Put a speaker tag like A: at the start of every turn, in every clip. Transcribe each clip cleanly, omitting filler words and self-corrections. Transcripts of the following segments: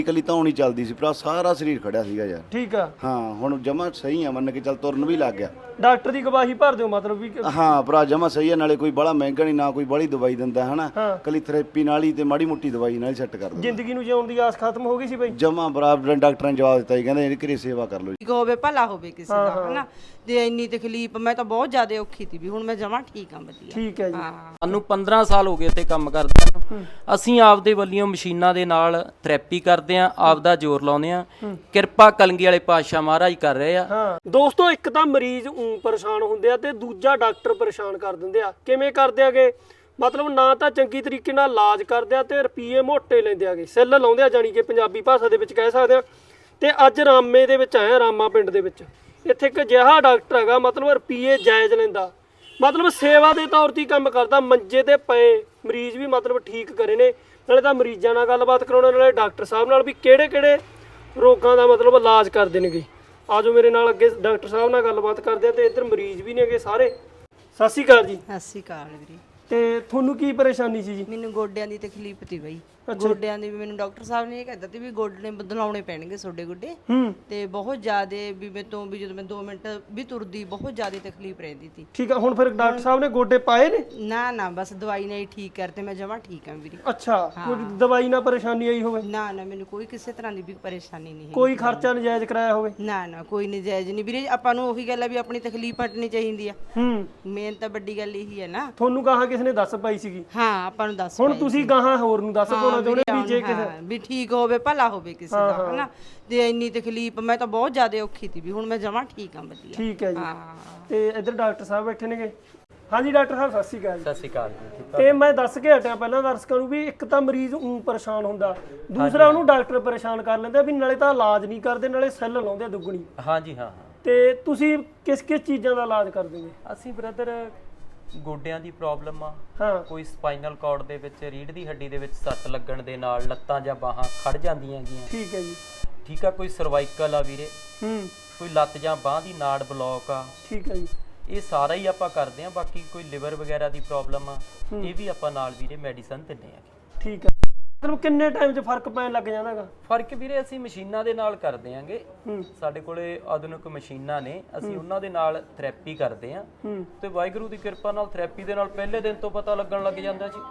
A: ਇਕੱਲੀ ਧੌਣ ਹੀ ਚੱਲਦੀ ਸੀ ਭਰਾ, ਸਾਰਾ ਸਰੀਰ ਖੜਿਆ ਸੀਗਾ ਯਾਰ।
B: ਠੀਕ ਆ।
A: ਹਾਂ ਹੁਣ ਜਮਾ ਸਹੀ ਆ, ਮੰਨ ਕੇ ਚੱਲ ਤੁਰਨ ਵੀ ਲੱਗ ਗਿਆ।
B: ਡਾਕਟਰ ਦੀ ਗਵਾਹੀ ਭਰ ਦਿਓ ਮਤਲਬ ਵੀ
A: ਹਾਂ ਭਰਾ ਜਮਾ ਸਹੀ ਆ, ਨਾਲੇ ਕੋਈ ਬੜਾ ਮਹਿੰਗਾ ਨਹੀਂ, ਨਾ ਕੋਈ ਬੜੀ ਦਵਾਈ ਦਿੰਦਾ ਹਨਾ। ਕੱਲੀ ਥੈਰੇਪੀ ਨਾਲ ਹੀ ਤੇ ਮਾੜੀ ਮੋਟੀ ਦਵਾਈ ਨਾਲ ਹੀ ਸੈੱਟ ਕਰ ਦਿੰਦਾ।
B: ਜ਼ਿੰਦਗੀ ਨੂੰ ਜਿਉਣ ਦੀ ਆਸ ਖਤਮ ਹੋ ਗਈ ਸੀ ਬਈ।
A: ਜਮਾ ਬਰਾਬਰ ਡਾਕਟਰਾਂ ਨੇ ਜਵਾਬ ਦਿੱਤਾ ਜੀ, ਕਹਿੰਦੇ ਇਹਦੀ ਘਰੇ ਸੇਵਾ ਕਰ ਲਓ ਜੀ।
C: ਹੋਵੇ ਭਲਾ ਹੋਵੇ ਕਿਸੇ ਦਾ ਹਨਾ। ਤੇ ਇੰਨੀ ਤਕਲੀਫ, ਮੈਂ ਤਾਂ ਬਹੁਤ ਜ਼ਿਆਦਾ ਔਖੀ ਸੀ ਵੀ ਹੁਣ ਮੈਂ ਜਮਾਂ ਠੀਕ ਆ ਵਧੀਆ।
B: ਠੀਕ ਹੈ ਜੀ।
D: ਸਾਨੂੰ 15 ਸਾਲ ਹੋ ਗਏ ਇੱਥੇ ਕੰਮ ਕਰਦੇ ਨੂੰ। ਅਸੀਂ ਆਪਦੇ ਵੱਲੋਂ ਮਸ਼ੀਨਾਂ ਦੇ ਨਾਲ ਥੈਰੇਪੀ ਕਰਦੇ ਆਂ, ਆਪਦਾ ਜ਼ੋਰ ਲਾਉਂਦੇ ਆਂ। ਕਿਰਪਾ ਕਲਗੀ ਵਾਲੇ ਪਾਤਸ਼ਾਹ ਮਹਾਰਾਜ ਕਰ ਰਹੇ ਆ।
B: ਹਾਂ ਦੋਸਤੋ, ਇੱਕ ਤਾਂ ਮਰੀਜ਼ ਪਰੇਸ਼ਾਨ ਹੁੰਦੇ ਆ ਤੇ ਦੂਜਾ ਡਾਕਟਰ ਪਰੇਸ਼ਾਨ ਕਰ ਦਿੰਦੇ ਆ। ਕਿਵੇਂ ਕਰਦੇ ਆਗੇ? ਮਤਲਬ ਨਾ ਤਾਂ ਚੰਗੀ ਤਰੀਕੇ ਨਾਲ ਇਲਾਜ ਕਰਦੇ ਆ ਤੇ ਰੁਪਈਏ ਮੋਟੇ ਲੈਂਦੇ ਆਗੇ, ਸੈੱਲ ਲਾਉਂਦੇ ਆ, ਜਾਣੀ ਕਿ ਪੰਜਾਬੀ ਭਾਸ਼ਾ ਦੇ ਵਿੱਚ ਕਹਿ ਸਕਦੇ ਆ। ਤੇ ਅੱਜ ਰਾਮੇ ਦੇ ਵਿੱਚ ਆਇਆ, ਰਾਮਾ ਪਿੰਡ ਦੇ ਵਿੱਚ ਇੱਥੇ ਇੱਕ ਅਜਿਹਾ ਡਾਕਟਰ ਹੈਗਾ, ਮਤਲਬ ਰੁਪਈਏ ਜਾਇਜ਼ ਲੈਂਦਾ, ਮਤਲਬ ਸੇਵਾ ਦੇ ਤੌਰ ਤੇ ਕੰਮ ਕਰਦਾ। ਮੰਜੇ ਤੇ ਪਏ ਮਰੀਜ਼ ਵੀ ਮਤਲਬ ਠੀਕ ਕਰੇ ਨੇ। ਨਾਲੇ ਤਾਂ ਮਰੀਜ਼ਾਂ ਨਾਲ ਗੱਲਬਾਤ ਕਰਾਉਣ, ਨਾਲੇ ਡਾਕਟਰ ਸਾਹਿਬ ਨਾਲ ਵੀ ਕਿਹੜੇ ਕਿਹੜੇ ਰੋਗਾਂ ਦਾ ਮਤਲਬ ਇਲਾਜ ਕਰਦੇ ਨੇਗੇ। ਆਜੋ ਮੇਰੇ ਨਾਲ ਅੱਗੇ ਡਾਕਟਰ ਸਾਹਿਬ ਨਾਲ ਗੱਲਬਾਤ ਕਰਦੇ ਆ। ਤੇ ਇੱਧਰ ਮਰੀਜ਼ ਵੀ ਨੇਗੇ ਸਾਰੇ। ਸਤਿ ਸ਼੍ਰੀ ਅਕਾਲ ਜੀ।
C: ਸਤਿ ਸ਼੍ਰੀ ਅਕਾਲ ਵੀਰੇ।
B: ਤੇ ਤੁਹਾਨੂੰ ਕੀ ਪਰੇਸ਼ਾਨੀ ਸੀ ਜੀ?
C: ਮੈਨੂੰ ਗੋਡਿਆਂ ਦੀ ਤਕਲੀਫ ਤੀ ਬਈ। ਗੋਡਿਆਂ ਦੀ ਵੀ ਮੈਨੂੰ ਡਾਕਟਰ ਸਾਹਿਬ ਨੇ ਇਹ ਕਹਿ ਦਿੱਤਾ ਵੀ ਗੋਡੇ ਬਦਲਾਉਣੇ ਪੈਣਗੇ ਤੁਹਾਡੇ ਗੋਡੇ। ਤੇ ਬਹੁਤ ਜ਼ਿਆਦਾ ਵੀ ਮੈਂ ਤੋਂ ਵੀ ਜਦੋਂ ਮੈਂ 2 ਮਿੰਟ ਵੀ ਤੁਰਦੀ ਬਹੁਤ ਜ਼ਿਆਦਾ ਤਕਲੀਫ ਰਹਿੰਦੀ ਸੀ।
B: ਠੀਕ ਆ, ਹੁਣ ਫਿਰ ਡਾਕਟਰ ਸਾਹਿਬ ਨੇ ਗੋਡੇ ਪਾਏ ਨੇ?
C: ਨਾ ਬਸ ਦਵਾਈ ਨਾਲ ਹੀ ਠੀਕ ਕਰਤੇ, ਮੈਂ ਜਮਾਂ ਠੀਕ ਆ ਵੀਰੇ।
B: ਅੱਛਾ, ਕੋਈ ਦਵਾਈ ਨਾਲ ਪਰੇਸ਼ਾਨੀ ਆਈ ਹੋਵੇ?
C: ਨਾ ਮੈਨੂੰ ਕੋਈ ਕਿਸੇ ਤਰ੍ਹਾਂ ਦੀ ਵੀ ਪਰੇਸ਼ਾਨੀ ਨਹੀਂ ਹੈ।
B: ਕੋਈ ਖਰਚਾ ਨਜਾਇਜ਼ ਕਰਾਇਆ ਹੋਵੇ?
C: ਨਾ ਕੋਈ ਨਜਾਇਜ਼ ਨਹੀਂ ਵੀਰੇ। ਆਪਾਂ ਨੂੰ ਉਹੀ ਗੱਲ ਆ ਵੀ ਆਪਣੀ ਤਕਲੀਫ ਹਟਣੀ ਚਾਹੀਦੀ ਆ। ਮੇਨ ਤਾਂ ਵੱਡੀ ਗੱਲ ਇਹੀ ਹੈ ਨਾ।
B: ਤੁਹਾਨੂੰ ਗਾਹਾਂ ਕਿਸ ਨੇ ਦੱਸ ਪਾਈ ਸੀਗੀ?
C: ਹਾਂ ਆਪਾਂ ਨੂੰ ਦੱਸ।
B: ਹੁਣ ਤੁਸੀਂ ਗਾਹਾਂ ਹੋਰ ਨੂੰ ਦੱਸ ਪਾਉਣਾ ਚਾਹੁੰਦੇ ਵੀ ਜੇ ਕਿਸੇ
C: ਵੀ ਠੀਕ ਹੋਵੇ ਭਲਾ ਹੋਵੇ ਕਿਸੇ ਦਾ ਹਨਾ। ਤੇ ਇੰਨੀ ਤਕਲੀਫ, ਮੈਂ ਤਾਂ ਬਹੁਤ ਜ਼ਿਆਦਾ ਔਖੀ ਸੀ ਵੀ ਹੁਣ ਮੈਂ ਜਮਾਂ ਠੀਕ ਆ ਵਧੀਆ।
B: ਠੀਕ ਹੈ ਜੀ। ਤੇ ਇੱਧਰ ਡਾਕਟਰ ਸਾਹਿਬ ਬੈਠੇ ਨੇਗੇ। ਹਾਂਜੀ ਡਾਕਟਰ ਸਾਹਿਬ ਸਤਿ ਸ਼੍ਰੀ ਅਕਾਲ।
D: ਸਤਿ ਸ਼੍ਰੀ ਅਕਾਲ ਜੀ।
B: ਤੇ ਮੈਂ ਦੱਸ ਕੇ ਹਟਿਆ ਪਹਿਲਾਂ ਦਰਸ਼ਕਾਂ ਨੂੰ ਵੀ ਇੱਕ ਤਾਂ ਮਰੀਜ਼ ਪਰੇਸ਼ਾਨ ਹੁੰਦਾ, ਦੂਸਰਾ ਉਹਨੂੰ ਡਾਕਟਰ ਪਰੇਸ਼ਾਨ ਕਰ ਲੈਂਦੇ ਵੀ ਨਾਲੇ ਤਾਂ ਇਲਾਜ ਨਹੀਂ ਕਰਦੇ, ਨਾਲੇ ਸੈੱਲ ਲਾਉਂਦੇ ਦੁੱਗਣੀ।
D: ਹਾਂਜੀ ਹਾਂ।
B: ਤੇ ਤੁਸੀਂ ਕਿਸ ਚੀਜ਼ਾਂ ਦਾ ਇਲਾਜ ਕਰਦੇ ਹੋ?
D: ਅਸੀਂ ਬ੍ਰਦਰ ਗੋਡਿਆਂ ਦੀ ਪ੍ਰੋਬਲਮ ਆ, ਕੋਈ ਸਪਾਈਨਲ ਕਾਰਡ ਦੇ ਵਿੱਚ ਰੀੜ੍ਹ ਦੀ ਹੱਡੀ ਦੇ ਵਿੱਚ ਸੱਟ ਲੱਗਣ ਦੇ ਨਾਲ ਲੱਤਾਂ ਜਾਂ ਬਾਹਾਂ ਖੜ ਜਾਂਦੀਆਂ ਹੈਗੀਆਂ।
B: ਠੀਕ ਹੈ ਜੀ।
D: ਠੀਕ ਆ, ਕੋਈ ਸਰਵਾਈਕਲ ਆ ਵੀਰੇ, ਕੋਈ ਲੱਤ ਜਾਂ ਬਾਹ ਦੀ ਨਾੜ ਬਲੌਕ ਆ।
B: ਠੀਕ ਹੈ ਜੀ। ਇਹ
D: ਸਾਰਾ ਹੀ ਆਪਾਂ ਕਰਦੇ ਆ। ਬਾਕੀ ਕੋਈ ਲਿਵਰ ਵਗੈਰਾ ਦੀ ਪ੍ਰੋਬਲਮ ਆ, ਇਹ ਵੀ ਆਪਾਂ ਨਾਲ ਵੀਰੇ ਮੈਡੀਸਨ ਦਿੰਦੇ ਆ।
B: ਠੀਕ ਹੈ। ਮਤਲਬ ਕਿੰਨੇ ਟਾਈਮ 'ਚ ਫਰਕ ਪੈਣ ਲੱਗ ਜਾਂਦਾ ਹੈਗਾ?
D: ਫਰਕ ਵੀਰੇ ਅਸੀਂ ਮਸ਼ੀਨਾਂ ਦੇ ਨਾਲ ਕਰਦੇ ਆਂਗੇ। ਸਾਡੇ ਕੋਲੇ ਆਧੁਨਿਕ ਮਸ਼ੀਨਾਂ ਨੇ, ਅਸੀਂ ਉਹਨਾਂ ਦੇ ਨਾਲ ਥੈਰੇਪੀ ਕਰਦੇ ਆਂ। ਤੇ ਵਾਹਿਗੁਰੂ ਦੀ ਕਿਰਪਾ ਨਾਲ ਥੈਰੇਪੀ ਦੇ ਨਾਲ ਪਹਿਲੇ ਦਿਨ ਤੋਂ ਪਤਾ ਲੱਗਣ ਲੱਗ ਜਾਂਦਾ ਜੀ।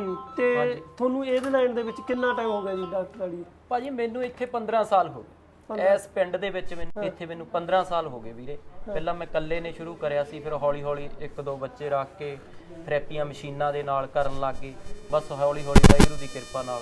B: ਤੇ ਤੁਹਾਨੂੰ ਇਹਦੇ ਲਾਈਨ ਦੇ ਵਿੱਚ ਕਿੰਨਾ ਟਾਈਮ ਹੋ ਗਿਆ ਜੀ ਡਾਕਟਰ ਵਾਲੀ?
D: ਭਾਜੀ ਮੈਨੂੰ ਇੱਥੇ 15 ਸਾਲ ਹੋ ਗਏ। ਇਸ ਪਿੰਡ ਦੇ ਵਿੱਚ ਮੈਨੂੰ 15 ਸਾਲ ਹੋ ਗਏ ਵੀਰੇ। ਪਹਿਲਾਂ ਮੈਂ ਇਕੱਲੇ ਨੇ ਸ਼ੁਰੂ ਕਰਿਆ ਸੀ, ਫਿਰ ਹੌਲੀ ਹੌਲੀ 1-2 ਬੱਚੇ ਰੱਖ ਕੇ ਥੈਰੇਪੀਆਂ ਮਸ਼ੀਨਾਂ ਦੇ ਨਾਲ ਕਰਨ ਲੱਗ ਗਏ। ਬਸ ਹੌਲੀ ਹੌਲੀ ਵਾਹਿਗੁਰੂ ਦੀ ਕਿਰਪਾ ਨਾਲ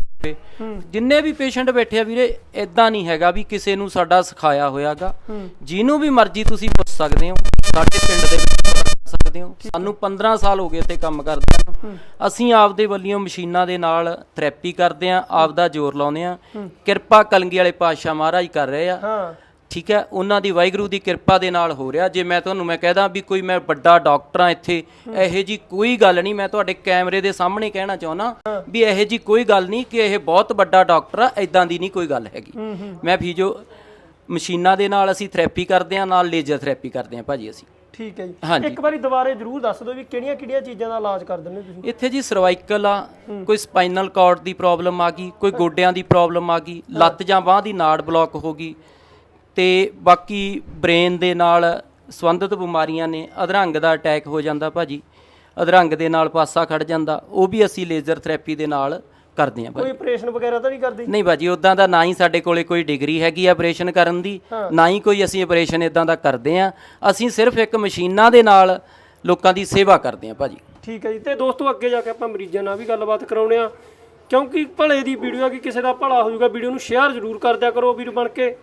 D: ਜਿੰਨੇ ਵੀ ਪੇਸ਼ੈਂਟ ਬੈਠੇ ਆ ਵੀਰੇ, ਇਦਾਂ ਨਹੀਂ ਹੈਗਾ ਵੀ ਕਿਸੇ ਨੂੰ ਸਾਡਾ ਸਿਖਾਇਆ ਹੋਇਆਗਾ। ਜਿਹਨੂੰ ਵੀ ਮਰਜ਼ੀ ਤੁਸੀਂ ਪੁੱਛ ਸਕਦੇ ਹੋ, ਸਾਡੇ ਪਿੰਡ ਦੇ ਵਿੱਚ ਸਕਦੇ ਹੋ। ਸਾਨੂੰ 15 ਸਾਲ ਹੋ ਗਏ ਇੱਥੇ ਕੰਮ ਕਰਦੇ ਨੂੰ। ਅਸੀਂ ਆਪਦੇ ਵੱਲੋਂ ਮਸ਼ੀਨਾਂ ਦੇ ਨਾਲ ਥੈਰੇਪੀ ਕਰਦੇ ਆਂ, ਆਪਦਾ ਜ਼ੋਰ ਲਾਉਂਦੇ ਆਂ। ਕਿਰਪਾ ਕਲਗੀ ਵਾਲੇ ਪਾਤਸ਼ਾਹ ਮਹਾਰਾਜ ਕਰ ਰਹੇ ਆ। ਠੀਕ ਹੈ, ਉਹਨਾਂ ਦੀ ਵਾਹਿਗੁਰੂ ਦੀ ਕਿਰਪਾ ਦੇ ਨਾਲ ਹੋ ਰਿਹਾ। ਜੇ ਮੈਂ ਕਹਿਦਾ ਵੀ ਕੋਈ ਮੈਂ ਵੱਡਾ ਡਾਕਟਰ ਆ ਇੱਥੇ, ਇਹੋ ਜੀ ਕੋਈ ਗੱਲ ਨਹੀਂ। ਮੈਂ ਤੁਹਾਡੇ ਕੈਮਰੇ ਦੇ ਸਾਹਮਣੇ ਕਹਿਣਾ ਚਾਹੁੰਦਾ ਵੀ ਇਹੋ ਜੀ ਕੋਈ ਗੱਲ ਨਹੀਂ ਕਿ ਇਹ ਬਹੁਤ ਵੱਡਾ ਡਾਕਟਰ ਆ, ਇਦਾਂ ਦੀ ਨਹੀਂ ਕੋਈ ਗੱਲ ਹੈਗੀ। ਮੈਂ ਫਿਜ਼ੀਓ ਮਸ਼ੀਨਾਂ ਦੇ ਨਾਲ ਅਸੀਂ ਥੈਰੇਪੀ ਕਰਦੇ ਆਂ, ਨਾਲ ਲੇਜ਼ਰ ਥੈਰੇਪੀ ਕਰਦੇ ਆਂ ਭਾਜੀ ਅਸੀਂ।
B: ਠੀਕ ਹੈ ਜੀ। ਇੱਕ ਵਾਰੀ ਦੁਬਾਰੇ ਜ਼ਰੂਰ ਦੱਸ ਦਿਓ ਵੀ ਕਿਹੜੀਆਂ ਚੀਜ਼ਾਂ ਦਾ ਇਲਾਜ ਕਰ ਦਿੰਦੇ ਤੁਸੀਂ
D: ਇੱਥੇ ਜੀ? ਸਰਵਾਈਕਲ ਆ, ਕੋਈ ਸਪਾਈਨਲ ਕਾਰਡ ਦੀ ਪ੍ਰੋਬਲਮ ਆ ਗਈ, ਕੋਈ ਗੋਡਿਆਂ ਦੀ ਪ੍ਰੋਬਲਮ ਆ ਗਈ, ਲੱਤ ਜਾਂ ਬਾਹ ਦੀ ਨਾੜ ਬਲੌਕ ਹੋ ਗਈ, ਤੇ ਬਾਕੀ ਬ੍ਰੇਨ ਦੇ ਨਾਲ ਸੰਬੰਧਿਤ ਬਿਮਾਰੀਆਂ ਨੇ। ਅਧਰੰਗ ਦਾ ਅਟੈਕ ਹੋ ਜਾਂਦਾ ਭਾਜੀ, ਅਧਰੰਗ ਦੇ ਨਾਲ ਪਾਸਾ ਖੜ ਜਾਂਦਾ, ਉਹ ਵੀ ਅਸੀਂ ਲੇਜ਼ਰ ਥੈਰੇਪੀ ਦੇ ਨਾਲ ਕਰਦੇ ਆਂ।
B: ਕੋਈ ਆਪਰੇਸ਼ਨ ਵਗੈਰਾ ਤਾਂ ਨਹੀਂ ਕਰਦੇ?
D: ਨਹੀਂ ਭਾਜੀ, ਉਦਾਂ ਦਾ ਨਾ ਹੀ ਸਾਡੇ ਕੋਲੇ ਕੋਈ ਡਿਗਰੀ ਹੈਗੀ ਆ ਆਪਰੇਸ਼ਨ ਕਰਨ ਦੀ, ਨਾ ਹੀ ਕੋਈ ਅਸੀਂ ਆਪਰੇਸ਼ਨ ਇਦਾਂ ਦਾ ਕਰਦੇ ਆਂ। ਅਸੀਂ ਸਿਰਫ ਇੱਕ ਮਸ਼ੀਨਾਂ ਦੇ ਨਾਲ ਲੋਕਾਂ ਦੀ ਸੇਵਾ ਕਰਦੇ ਆਂ ਭਾਜੀ।
B: ਠੀਕ ਹੈ ਜੀ। ਤੇ ਦੋਸਤੋ ਅੱਗੇ ਜਾ ਕੇ ਆਪਾਂ ਮਰੀਜ਼ਾਂ ਨਾਲ ਵੀ ਗੱਲਬਾਤ ਕਰਾਉਣੇ ਆ, ਕਿਉਂਕਿ ਭਲੇ ਦੀ ਵੀਡੀਓ ਆ ਕਿ ਕਿਸੇ ਦਾ ਭਲਾ ਹੋ ਜਾਊਗਾ। ਵੀਡੀਓ ਨੂੰ ਸ਼ੇਅਰ ਜ਼ਰੂਰ ਕਰ ਦਿਆ ਕਰੋ ਵੀਰ ਬਣ ਕੇ,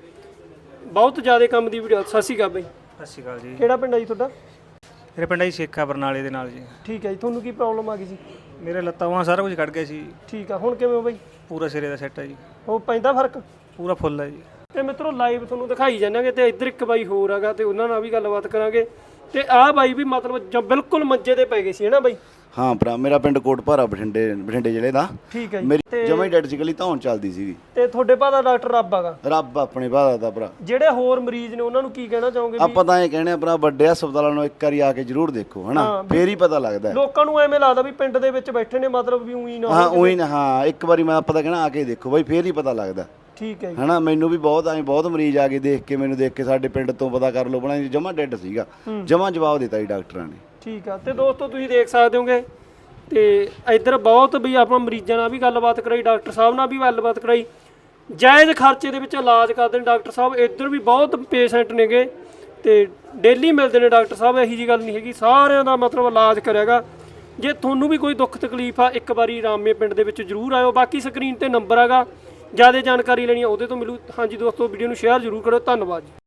B: ਬਹੁਤ ਜ਼ਿਆਦਾ ਕੰਮ ਦੀ ਵੀਡੀਓ। ਸਤਿ ਸ਼੍ਰੀ ਅਕਾਲ ਬਾਈ।
E: ਸਤਿ ਸ਼੍ਰੀ ਅਕਾਲ ਜੀ।
B: ਕਿਹੜਾ ਪਿੰਡ ਹੈ ਜੀ ਤੁਹਾਡਾ?
E: ਮੇਰੇ ਪਿੰਡ ਜੀ ਸ਼ੇਖਾ ਬਰਨਾਲੇ ਦੇ ਨਾਲ ਜੀ।
B: ਠੀਕ ਹੈ ਜੀ। ਤੁਹਾਨੂੰ ਕੀ ਪ੍ਰੋਬਲਮ ਆ ਗਈ ਸੀ?
E: ਮੇਰੇ ਲੱਤਾਂ ਵਾਂ ਸਾਰਾ ਕੁਝ ਕੱਢ ਗਿਆ ਸੀ।
B: ਠੀਕ ਆ, ਹੁਣ ਕਿਵੇਂ ਹੋ ਬਾਈ?
E: ਪੂਰਾ ਸਿਰੇ ਦਾ ਸੈੱਟ ਹੈ ਜੀ।
B: ਉਹ ਪੈਂਦਾ ਫਰਕ?
E: ਪੂਰਾ ਫੁੱਲ ਹੈ ਜੀ।
B: ਤੇ ਮਿੱਤਰੋ ਲਾਈਵ ਤੁਹਾਨੂੰ ਦਿਖਾਈ ਜਾਂਦਾਂਗੇ। ਤੇ ਇੱਧਰ ਇੱਕ ਬਾਈ ਹੋਰ ਹੈਗਾ, ਤੇ ਉਹਨਾਂ ਨਾਲ ਵੀ ਗੱਲਬਾਤ ਕਰਾਂਗੇ। ਤੇ ਆਹ ਬਾਈ ਵੀ ਮਤਲਬ ਬਿਲਕੁਲ ਮੰਜੇ ਤੇ ਪੈ ਗਏ ਸੀ, ਹੈ ਨਾ ਬਾਈ?
A: ਹਾਂ ਭਰਾ, ਮੇਰਾ ਪਿੰਡ ਕੋਟਭਾਰਾ ਬਠਿੰਡੇ ਜ਼ਿਲ੍ਹੇ ਦਾ।
B: ਠੀਕ ਹੈ ਜੀ।
A: ਮੇਰੀ ਜਮਾ ਹੀ ਡੈਡ ਸੀ, ਇਕੱਲੀ ਧੌਣ ਚੱਲਦੀ ਸੀਗੀ।
B: ਤੇ ਤੁਹਾਡੇ ਭਾਅ ਦਾ ਡਾਕਟਰ ਰੱਬ ਹੈਗਾ?
A: ਰੱਬ ਆਪਣੇ ਭਾਅ ਦਾ ਭਰਾ।
B: ਜਿਹੜੇ ਹੋਰ ਮਰੀਜ਼ ਨੇ ਉਹਨਾਂ ਨੂੰ ਕੀ ਕਹਿਣਾ ਚਾਹੋਗੇ?
A: ਆਪਾਂ ਤਾਂ ਇਹ ਕਹਿੰਦੇ ਆ ਭਰਾ, ਵੱਡੇ ਹਸਪਤਾਲਾਂ ਨੂੰ ਇੱਕ ਵਾਰੀ ਆ ਕੇ ਜ਼ਰੂਰ ਦੇਖੋ, ਹਨਾ, ਫੇਰ ਹੀ ਪਤਾ ਲੱਗਦਾ।
B: ਲੋਕਾਂ ਨੂੰ ਐਵੇਂ ਲੱਗਦਾ ਵੀ ਪਿੰਡ ਦੇ ਵਿੱਚ ਬੈਠੇ ਨੇ, ਮਤਲਬ ਵੀ ਉਹੀ ਨਾ।
A: ਹਾਂ ਉਹੀ ਨਾ। ਹਾਂ ਇੱਕ ਵਾਰੀ ਮੈਂ ਆਪਾਂ ਤਾਂ ਕਹਿਣਾ ਆ ਕੇ ਦੇਖੋ ਬਾਈ, ਫੇਰ ਹੀ ਪਤਾ ਲੱਗਦਾ।
B: ਠੀਕ ਹੈ ਜੀ।
A: ਹਨਾ ਮੈਨੂੰ ਵੀ ਬਹੁਤ ਮਰੀਜ਼ ਆ ਕੇ ਦੇਖ ਕੇ ਮੈਨੂੰ ਦੇਖ ਕੇ ਸਾਡੇ ਪਿੰਡ ਤੋਂ ਪਤਾ ਕਰ ਲਓ ਬਣਾ ਜਮਾ ਡੈਡ ਸੀਗਾ, ਜਮਾ ਜਵਾਬ ਦਿੱਤਾ ਜੀ ਡਾਕਟਰਾਂ ਨੇ।
B: ਠੀਕ ਆ। ਤੇ ਦੋਸਤੋ ਤੁਸੀਂ ਦੇਖ ਸਕਦੇ ਹੋਗੇ ਤੇ ਇੱਧਰ ਬਹੁਤ ਵੀ ਆਪਾਂ ਮਰੀਜ਼ਾਂ ਨਾਲ ਵੀ ਗੱਲਬਾਤ ਕਰਾਈ, ਡਾਕਟਰ ਸਾਹਿਬ ਨਾਲ ਵੀ ਗੱਲਬਾਤ ਕਰਾਈ, ਜਾਇਜ਼ ਖਰਚੇ ਦੇ ਵਿੱਚ ਇਲਾਜ ਕਰਦੇ ਨੇ ਡਾਕਟਰ ਸਾਹਿਬ। ਇੱਧਰ ਵੀ ਬਹੁਤ ਪੇਸ਼ੈਂਟ ਨੇਗੇ ਤੇ ਡੇਲੀ ਮਿਲਦੇ ਨੇ ਡਾਕਟਰ ਸਾਹਿਬ, ਇਹੀ ਜੀ ਗੱਲ ਨਹੀਂ ਹੈਗੀ, ਸਾਰਿਆਂ ਦਾ ਮਤਲਬ ਇਲਾਜ ਕਰਿਆਗਾ। ਜੇ ਤੁਹਾਨੂੰ ਵੀ ਕੋਈ ਦੁੱਖ ਤਕਲੀਫ ਆ ਇੱਕ ਵਾਰੀ ਰਾਮੇ ਪਿੰਡ ਦੇ ਵਿੱਚ ਜ਼ਰੂਰ ਆਇਓ। ਬਾਕੀ ਸਕਰੀਨ ਤੇ ਨੰਬਰ ਹੈਗਾ, ਜ਼ਿਆਦਾ ਜਾਣਕਾਰੀ ਲੈਣੀ ਆ ਉਹਦੇ ਤੋਂ ਮਿਲੂ। ਹਾਂਜੀ ਦੋਸਤੋ, ਵੀਡੀਓ ਨੂੰ ਸ਼ੇਅਰ ਜ਼ਰੂਰ ਕਰੋ। ਧੰਨਵਾਦ ਜੀ।